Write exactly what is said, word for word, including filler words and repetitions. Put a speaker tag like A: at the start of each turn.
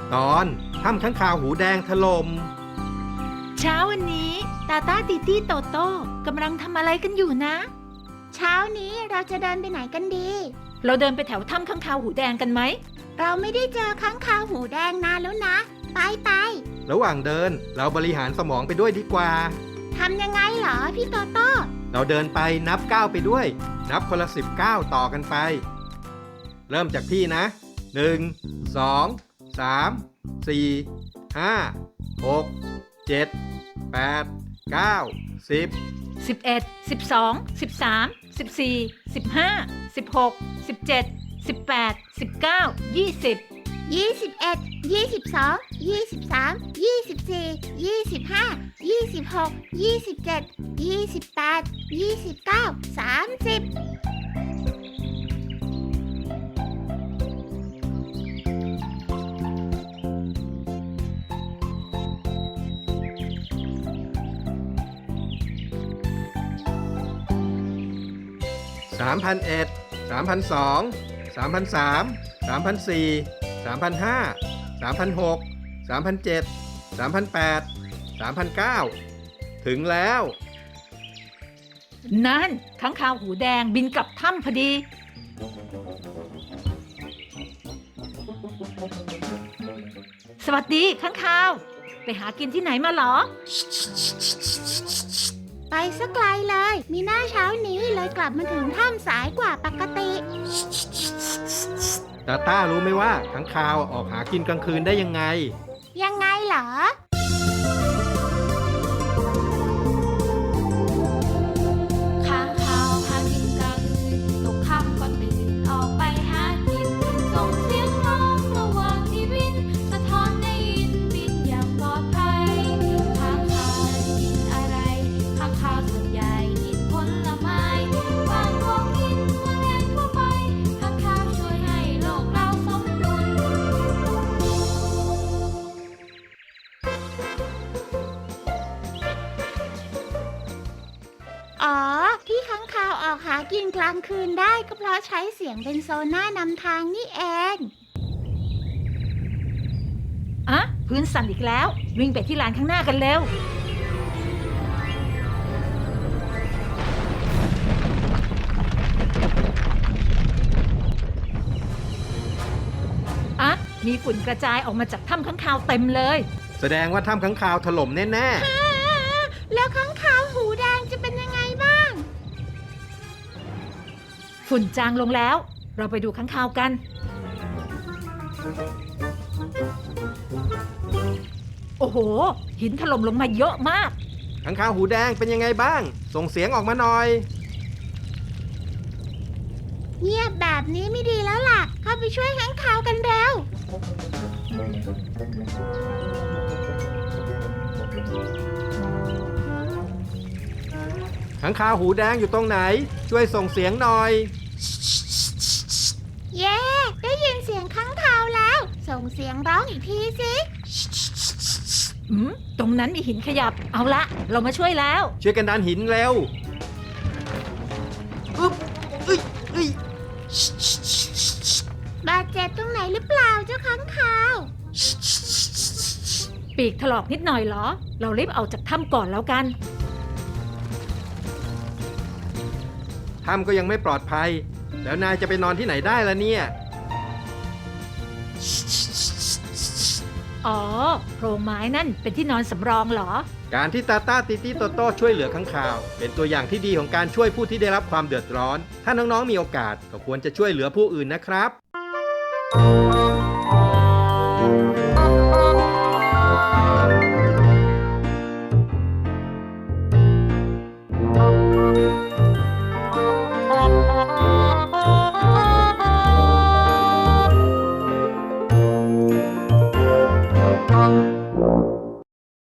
A: ตอนถ้ำค้างคาวหูแดงถล่ม
B: เช้าวันนี้ตาตาติตี้โตโต้กำลังทำอะไรกันอยู่นะ
C: เช้านี้เราจะเดินไปไหนกันดี
B: เราเดินไปแถวถ้ำค้างคาวหูแดงกันไหม
C: เราไม่ได้เจอค้างคาวหูแดงนานแล้วนะไปไป
A: ระหว่างเดินเราบริหารสมองไปด้วยดีกว่า
C: ทำยังไงเหรอพี่โตโต้
A: เราเดินไปนับก้าวไปด้วยนับคนละสิบก้าวต่อกันไปเริ่มจากพี่นะหนึ่งสองสามสี่ห้าหกเจ็ดแปดเก้าสิบ
B: สิบเอ็ดสิบสองสิบสามสิบสี่สิบห้าสิบหกสิบเจ็ดสิบแปดสิบเก้ายี่สิบ
C: ยี่สิบเอ็ดยี่สิบสองยี่สิบสามยี่สิบสี่ยี่สิบห้ายี่สิบหกยี่สิบเจ็ดยี่สิบแปดยี่สิบเก้าสามสิบ
A: สามพันเอ็ดสามพันสองสามพันสามสามพันสี่สามพันห้าสามพันหกสามพันเจ็ดสามพันแปดสามพันเก้าถึงแล้ว
B: นั่นค้างคาวหูแดงบินกลับถ้ำพอดีสวัสดีค้างคาวไปหากินที่ไหนมาหรอ
C: ไปสักไกลเลยมีหน้าเช้านี้เลยกลับมาถึงถ้ำสายกว่าปกติ
A: ตาต้ารู้ไหมว่าค้างคาวออกหากินกลางคืนได้ยังไง
C: ยังไงเหรอ
D: ค้างคาวหากินกลางคืนตกค่ำก็ตื่นออกไปหากินส่งเสียงร้องระหว่างที่บินสะท้อนได้ยินบินอย่างปลอดภัยค้างคาวกินอะไรค้างคาวส่วนใหญ่กินผลไม้บางพวกกินแมลงทั่วไปค้างคาวช่วยให้โลกเราสมดุล
C: อ๋อที่ค้างคาวออกหากินกลางคืนได้ก็เพราะใช้เสียงเป็นโซน่านำทางนี่เอง
B: อะพื้นสั่นอีกแล้ววิ่งไปที่ลานข้างหน้ากันเร็วอะมีฝุ่นกระจายออกมาจากถ้ำค้างคาวเต็มเลย
A: แสดงว่าถ้ำค้างคาวถล่มแน่
C: ๆแล้วค้างคาวหูแดงจะเป็นยังไงบ้าง
B: ฝุ่นจางลงแล้วเราไปดูค้างคาวกันโอ้โหหินถล่มลงมาเยอะมาก
A: ค้างคาวหูแดงเป็นยังไงบ้างส่งเสียงออกมาหน่อย
C: เงียบแบบนี้ไม่ดีแล้วล่ะเข้าไปช่วยค้างคาวกันเร็ว
A: ค้างคาวหูแดงอยู่ตรงไหนช่วยส่งเสียงหน่อย
C: เย้ได้ยินเสียงค้างคาวแล้วส่งเสียงร้องอีกทีสิ
B: อืมตรงนั้นมีหินขยับเอาละเรามาช่วยแล้ว
A: ช่วยกันดันหินเร็วอึ๊บอึ๊ยอึ๊ย
C: บาดเจ็บตรงไหนหรือเปล่าเจ้าค้างคาว
B: ปีกถลอกนิดหน่อยเหรอเรารีบออกจากถ้ำก่อนแล้วกัน
A: ถ้ำก็ยังไม่ปลอดภัยแล้วนายจะไปนอนที่ไหนได้ล่ะเนี่ย
B: อ๋อโพรงไม้นั่นเป็นที่นอนสำรองเหรอ
A: การที่ตาต้าติตี้โตโต้ช่วยเหลือค้างคาวเป็นตัวอย่างที่ดีของการช่วยผู้ที่ได้รับความเดือดร้อนถ้าน้องๆมีโอกาสก็ควรจะช่วยเหลือผู้อื่นนะครับ